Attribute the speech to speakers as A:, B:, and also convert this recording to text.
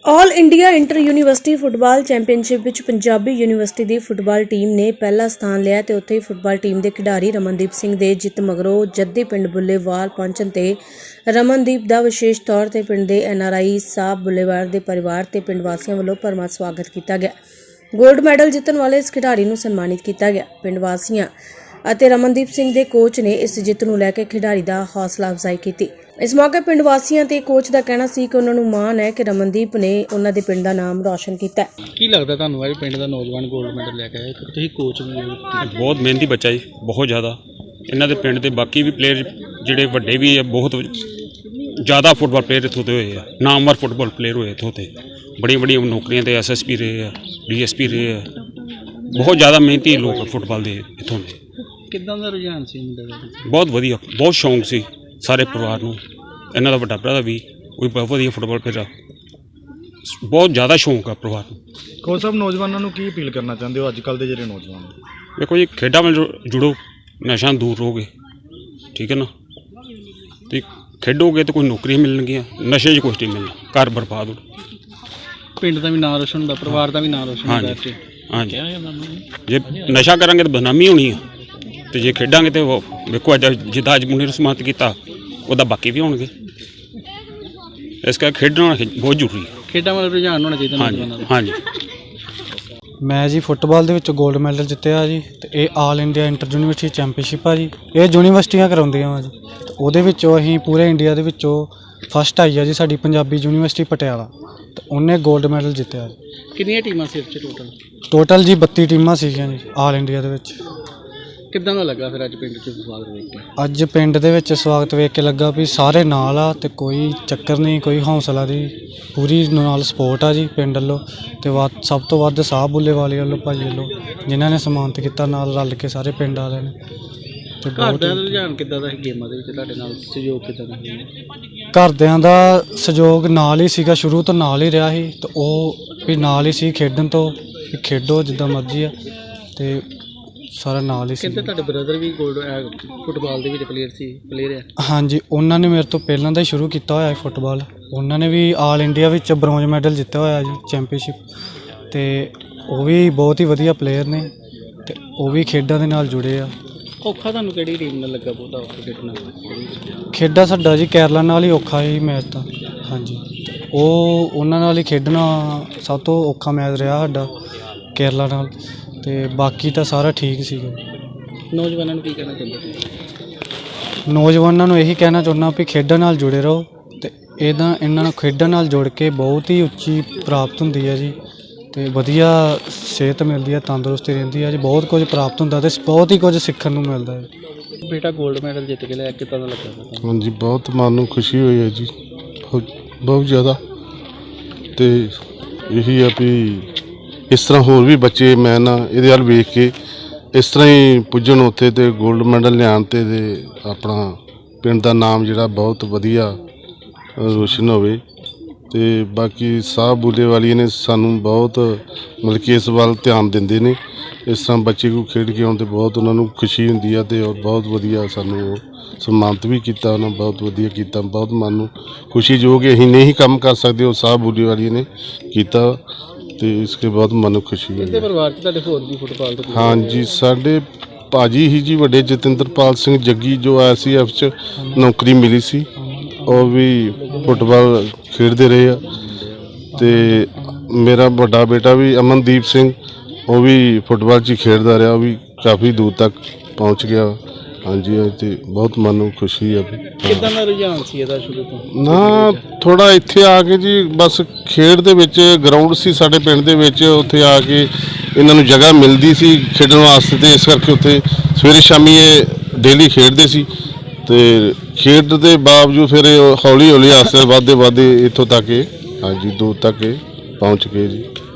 A: ਆਲ India inter university football championship ਵਿੱਚ Punjabi university ਦੀ football team ਨੇ ਪਹਿਲਾ ਸਥਾਨ ਲਿਆ ਤੇ ਉੱਥੇ ਹੀ ਫੁੱਟਬਾਲ ਟੀਮ ਦੇ ਖਿਡਾਰੀ ਰਮਨਦੀਪ ਸਿੰਘ ਦੇ ਜਿੱਤ ਮਗਰੋਂ ਜੱਦੀ ਪਿੰਡ ਬੁੱਲੇਵਾਲ ਪਹੁੰਚਣ ਤੇ ਰਮਨਦੀਪ ਦਾ ਵਿਸ਼ੇਸ਼ ਤੌਰ ਤੇ ਪਿੰਡ ਦੇ NRI ਸਾਹਿਬ ਬੁੱਲੇਵਾਲ ਦੇ ਪਰਿਵਾਰ ਤੇ ਪਿੰਡ ਵਾਸੀਆਂ ਵੱਲੋਂ ਭਰਵਾਂ ਸਵਾਗਤ ਕੀਤਾ ਗਿਆ। ਗੋਲਡ ਮੈਡਲ ਜਿੱਤਣ ਵਾਲੇ ਇਸ ਖਿਡਾਰੀ ਨੂੰ ਸਨਮਾਨਿਤ ਕੀਤਾ ਗਿਆ। ਪਿੰਡ ਵਾਸੀਆਂ ਅਤੇ ਰਮਨਦੀਪ ਸਿੰਘ ਦੇ ਕੋਚ ਨੇ ਇਸ ਜਿੱਤ ਨੂੰ ਲੈ ਕੇ ਖਿਡਾਰੀ ਦਾ ਹੌਸਲਾ ਅਫਜ਼ਾਈ ਕੀਤੀ। इस मौके पिंड वासियों ते कोच का कहना सी कि उन्होंने माण है कि रमनदीप ने उन्होंने पिंड का नाम रोशन किया है।
B: की लगता है तुहानू पिंड का नौजवान गोल्ड मैडल लैके आए तुसीं कोच भी
C: बहुत मेहनती बच्चा जी, बहुत ज़्यादा इन्हों के पिंड के बाकी भी प्लेयर जोड़े वड्डे भी है, बहुत ज़्यादा फुटबॉल प्लेयर इतों के हुए हैं, नामवर फुटबॉल प्लेयर हुए इतों के बड़ी बड़ी नौकरियां ते SSP रहे हैं, DSP रहे हैं, बहुत ज़्यादा मेहनती लोग फुटबॉल के इतों के।
B: किदां दा रुझान सी मुंडे दा?
C: बहुत वधिया, बहुत शौक सी सारे परिवार को। इन्हों का वड्डा भरा भी वो बहुत वधिया फुटबॉल प्लेयर, बहुत ज़्यादा शौक है परिवार को।
D: कोच साहब नौजवानों को की अपील करना चाहते हो अजकल के जो नौजवान?
C: देखो जी, खेडा में जुड़ो, नशा दूर रहोगे, ठीक है ना, तो खेडोगे तो कोई नौकरियां मिलनगियां, नशे च कुछ नहीं मिलना, घर बर्बाद हो।
B: पिंड का भी नाम रोशन होंदा, परिवार का भी नाम रोशन
C: हाँ
B: होंदा।
C: जी, हाँ जी। जे नशा करांगे तो बदनामी होनी है, तो जे खेडांगे तो देखो अज जिदा अज मुंडे समाप्त किया ਉਹਦਾ ਬਾਕੀ ਵੀ ਹੋਣਗੇ, ਇਸ ਕਰਕੇ ਖੇਡਣਾ ਬਹੁਤ ਜ਼ਰੂਰੀ ਹੈ।
B: ਖੇਡਾਂ ਵੱਲ ਰੁਝਾਨ ਹੋਣਾ ਚਾਹੀਦਾ ਨੌਜਵਾਨਾਂ ਦਾ।
C: ਹਾਂਜੀ।
E: ਮੈਂ ਜੀ ਫੁੱਟਬਾਲ ਦੇ ਵਿੱਚ 골ਡ ਮੈਡਲ ਜਿੱਤਿਆ ਜੀ ਤੇ ਇਹ all India inter university championship ਆ ਜੀ। ਇਹ ਯੂਨੀਵਰਸਿਟੀਆਂ ਕਰਾਉਂਦੀਆਂ ਵਾ ਜੀ ਤੇ ਉਹਦੇ ਵਿੱਚੋਂ ਅਸੀਂ ਪੂਰੇ ਇੰਡੀਆ ਦੇ ਵਿੱਚੋਂ ਫਸਟ ਆਈ ਆ ਜੀ ਸਾਡੀ ਪੰਜਾਬੀ ਯੂਨੀਵਰਸਿਟੀ ਪਟਿਆਲਾ ਤੇ ਉਹਨੇ 골ਡ ਮੈਡਲ ਜਿੱਤਿਆ ਜੀ।
B: ਕਿੰਨੀਆਂ ਟੀਮਾਂ ਸੀ ਇਸ 'ਚ
E: ਟੋਟਲ ਜੀ 32 ਟੀਮਾਂ ਸੀਗੀਆਂ ਜੀ ਆਲ ਇੰਡੀਆ ਦੇ ਵਿੱਚ।
B: ਕਿੱਦਾਂ ਦਾ ਲੱਗਾ ਫਿਰ ਅੱਜ ਪਿੰਡ 'ਚ ਸਵਾਗਤ ਵੇਖ ਕੇ?
E: ਅੱਜ ਪਿੰਡ ਦੇ ਵਿੱਚ ਸਵਾਗਤ ਵੇਖ ਕੇ ਲੱਗਾ ਵੀ ਸਾਰੇ ਨਾਲ ਆ ਤੇ ਕੋਈ ਚੱਕਰ ਨਹੀਂ, ਕੋਈ ਹੌਸਲਾ ਦੀ ਪੂਰੀ ਨਾਲ ਸਪੋਰਟ ਆ ਜੀ ਪਿੰਡ ਵੱਲੋਂ ਤੇ ਸਭ ਤੋਂ ਵੱਧ ਸਾਹਿਬ ਬੁੱਲੇਵਾਲ ਵੱਲੋਂ ਭਾਜੀ ਵੱਲੋਂ ਜਿਨ੍ਹਾਂ ਨੇ ਸਨਮਾਨਿਤ ਕੀਤਾ ਨਾਲ ਰਲ ਕੇ ਸਾਰੇ ਪਿੰਡ ਵਾਲਿਆਂ ਨੇ। ਤੇ
B: ਘਰ ਦਾ ਰੁਝਾਨ ਕਿੱਦਾਂ ਦਾ ਸੀ ਗੇਮਾਂ ਦੇ ਵਿੱਚ, ਤੁਹਾਡੇ ਨਾਲ ਸਹਿਯੋਗ ਕਿੱਦਾਂ ਦਾ ਸੀ?
E: ਘਰਦਿਆਂ ਦਾ ਸਹਿਯੋਗ ਨਾਲ ਹੀ ਸੀਗਾ, ਸ਼ੁਰੂ ਤੋਂ ਨਾਲ ਹੀ ਰਿਹਾ ਸੀ ਤੇ ਉਹ ਵੀ ਨਾਲ ਹੀ ਸੀ ਖੇਡਣ ਤੋਂ, ਵੀ ਖੇਡੋ ਜਿੱਦਾਂ ਮਰਜ਼ੀ ਆ ਤੇ ਸਾਰਾ ਨਾਲ ਹੀ ਸੀ।
B: ਕਹਿੰਦੇ ਤੁਹਾਡੇ ਬ੍ਰਦਰ ਵੀ ਗੋਲਡ ਫੁੱਟਬਾਲ ਦੇ ਵਿੱਚ ਪਲੇਅਰ ਆ?
E: ਹਾਂਜੀ, ਉਹਨਾਂ ਨੇ ਮੇਰੇ ਤੋਂ ਪਹਿਲਾਂ ਦਾ ਹੀ ਸ਼ੁਰੂ ਕੀਤਾ ਹੋਇਆ ਹੈ ਫੁੱਟਬਾਲ। ਉਹਨਾਂ ਨੇ ਵੀ ਆਲ ਇੰਡੀਆ ਵਿੱਚ ਬ੍ਰੌਂਜ ਮੈਡਲ ਜਿੱਤਿਆ ਹੋਇਆ ਜੀ ਚੈਂਪੀਅਨਸ਼ਿਪ ਤੇ ਉਹ ਵੀ ਬਹੁਤ ਹੀ ਵਧੀਆ ਪਲੇਅਰ ਨੇ ਤੇ ਉਹ ਵੀ ਖੇਡਾਂ ਦੇ ਨਾਲ ਜੁੜੇ ਆ।
B: ਔਖਾ ਤੁਹਾਨੂੰ ਕਿਹੜੀ ਟੀਮ ਨਾਲ ਲੱਗਾ ਬਹੁਤਾ ਔਖਾ ਖੇਡਣਾ?
E: ਖੇਡਾਂ ਸਾਡਾ ਜੀ ਕੇਰਲਾ ਨਾਲ ਹੀ ਔਖਾ ਹੀ ਮੈਚ ਤਾਂ। ਹਾਂਜੀ, ਉਹ ਉਹਨਾਂ ਨਾਲ ਹੀ ਖੇਡਣਾ ਸਭ ਤੋਂ ਔਖਾ ਮੈਚ ਰਿਹਾ ਸਾਡਾ ਕੇਰਲਾ ਨਾਲ ਤੇ ਬਾਕੀ ਤਾਂ ਸਾਰਾ ਠੀਕ ਸੀਗਾ।
B: ਨੌਜਵਾਨਾਂ ਨੂੰ ਕੀ ਕਹਿਣਾ ਚਾਹੁੰਦੇ ਤੁਸੀਂ?
E: ਨੌਜਵਾਨਾਂ ਨੂੰ ਇਹੀ ਕਹਿਣਾ ਚਾਹੁੰਦਾ ਵੀ ਖੇਡਾਂ ਨਾਲ ਜੁੜੇ ਰਹੋ ਤੇ ਇਹਨਾਂ ਨੂੰ ਖੇਡਾਂ ਨਾਲ ਜੁੜ ਕੇ ਬਹੁਤ ਹੀ ਉੱਚੀ ਪ੍ਰਾਪਤ ਹੁੰਦੀ ਹੈ ਜੀ ਤੇ ਵਧੀਆ ਸਿਹਤ ਮਿਲਦੀ ਹੈ, ਤੰਦਰੁਸਤੀ ਰਹਿੰਦੀ ਹੈ ਜੀ, ਬਹੁਤ ਕੁਝ ਪ੍ਰਾਪਤ ਹੁੰਦਾ ਤੇ ਬਹੁਤ ਹੀ ਕੁਝ ਸਿੱਖਣ ਨੂੰ ਮਿਲਦਾ ਹੈ।
B: ਬੇਟਾ ਗੋਲਡ ਮੈਡਲ ਜਿੱਤ ਕੇ ਲਿਆ, ਕਿੱਦਾਂ ਦਾ ਲੱਗਾ?
F: ਹਾਂਜੀ, ਬਹੁਤ ਮਨ ਨੂੰ ਖੁਸ਼ੀ ਹੋਈ ਹੈ ਜੀ, ਬਹੁਤ ਜ਼ਿਆਦਾ। ਤੇ ਇਹੀ ਆ ਵੀ ਇਸ ਤਰ੍ਹਾਂ ਹੋਰ ਵੀ ਬੱਚੇ ਮੈਂ ਨਾ ਇਹਦੇ ਵੱਲ ਵੇਖ ਕੇ ਇਸ ਤਰ੍ਹਾਂ ਹੀ ਪੁੱਜਣ ਉੱਥੇ ਤੇ 골ਡ ਮੈਡਲ ਲਿਆਉਣ ਤੇ ਆਪਣਾ ਪਿੰਡ ਦਾ ਨਾਮ ਜਿਹੜਾ ਬਹੁਤ ਵਧੀਆ ਰੋਸ਼ਨ ਹੋਵੇ। ਤੇ ਬਾਕੀ ਸਾਹਿਬ ਬੁੱਲੇਵਾਲੀ ਨੇ ਸਾਨੂੰ ਬਹੁਤ ਮਤਲਬ ਕਿ ਇਸ ਵੱਲ ਧਿਆਨ ਦਿੰਦੇ ਨੇ। ਇਸ ਤਰ੍ਹਾਂ ਬੱਚੇ ਕੋਲ ਖੇਡ ਕੇ ਆਉਣ 'ਤੇ ਬਹੁਤ ਉਹਨਾਂ ਨੂੰ ਖੁਸ਼ੀ ਹੁੰਦੀ ਆ ਤੇ ਔਰ ਬਹੁਤ ਵਧੀਆ ਸਾਨੂੰ ਉਹ ਸਨਮਾਨਿਤ ਵੀ ਕੀਤਾ, ਉਹਨਾਂ ਬਹੁਤ ਵਧੀਆ ਕੀਤਾ। ਬਹੁਤ ਮਨ ਨੂੰ ਖੁਸ਼ੀ ਜੋ ਕਿ ਅਸੀਂ ਨਹੀਂ ਕੰਮ ਕਰ ਸਕਦੇ ਉਹ ਸਾਹਿਬ ਬੁੱਲੇਵਾਲੀ ਨੇ ਕੀਤਾ ਤੇ ਇਸਕੇ ਬਹੁਤ ਮਨ ਨੂੰ ਖੁਸ਼ੀ ਹੋਈ।
B: ਇਹਦੇ ਪਰਿਵਾਰ 'ਚ ਤੁਹਾਡੇ ਹੋਰ ਵੀ ਫੁੱਟਬਾਲ ਦੇ?
F: ਹਾਂਜੀ, ਸਾਡੇ ਭਾਜੀ ਹੀ ਜੀ ਵੱਡੇ ਜਤਿੰਦਰਪਾਲ ਸਿੰਘ ਜੱਗੀ ਜੋ ICF 'ਚ ਨੌਕਰੀ ਮਿਲੀ ਸੀ, ਉਹ ਵੀ ਫੁੱਟਬਾਲ ਖੇਡਦੇ ਰਹੇ ਆ। ਤੇ ਮੇਰਾ ਵੱਡਾ ਬੇਟਾ ਵੀ ਅਮਨਦੀਪ ਸਿੰਘ, ਉਹ ਵੀ ਫੁੱਟਬਾਲ 'ਚ ਹੀ ਖੇਡਦਾ ਰਿਹਾ, ਉਹ ਵੀ ਕਾਫੀ ਦੂਰ ਤੱਕ ਪਹੁੰਚ ਗਿਆ। ਹਾਂਜੀ, ਤੇ ਬਹੁਤ ਮਨ ਨੂੰ ਖੁਸ਼ੀ ਆ।
B: ਕਿੱਦਾਂ ਦਾ ਰੁਝਾਨ ਸੀ ਇਹਦਾ ਸ਼ੁਰੂ ਤੋਂ?
F: ਨਾ ਥੋੜ੍ਹਾ ਇੱਥੇ ਆ ਕੇ ਜੀ ਬਸ ਖੇਡ ਦੇ ਵਿੱਚ ਗਰਾਊਂਡ ਸੀ ਸਾਡੇ ਪਿੰਡ ਦੇ ਵਿੱਚ, ਉੱਥੇ ਆ ਕੇ ਇਹਨਾਂ ਨੂੰ ਜਗ੍ਹਾ ਮਿਲਦੀ ਸੀ ਖੇਡਣ ਵਾਸਤੇ ਤੇ ਇਸ ਕਰਕੇ ਉੱਥੇ ਸਵੇਰੇ ਸ਼ਾਮੀ ਇਹ ਡੇਲੀ ਖੇਡਦੇ ਸੀ ਤੇ ਖੇਡ ਦੇ ਬਾਵਜੂਦ ਫਿਰ ਹੌਲੀ ਹੌਲੀ ਆਸਤੇ ਵੱਧਦੇ ਇੱਥੋਂ ਤੱਕ ਹਾਂਜੀ ਦੂਰ ਤੱਕ ਪਹੁੰਚ ਗਏ ਜੀ।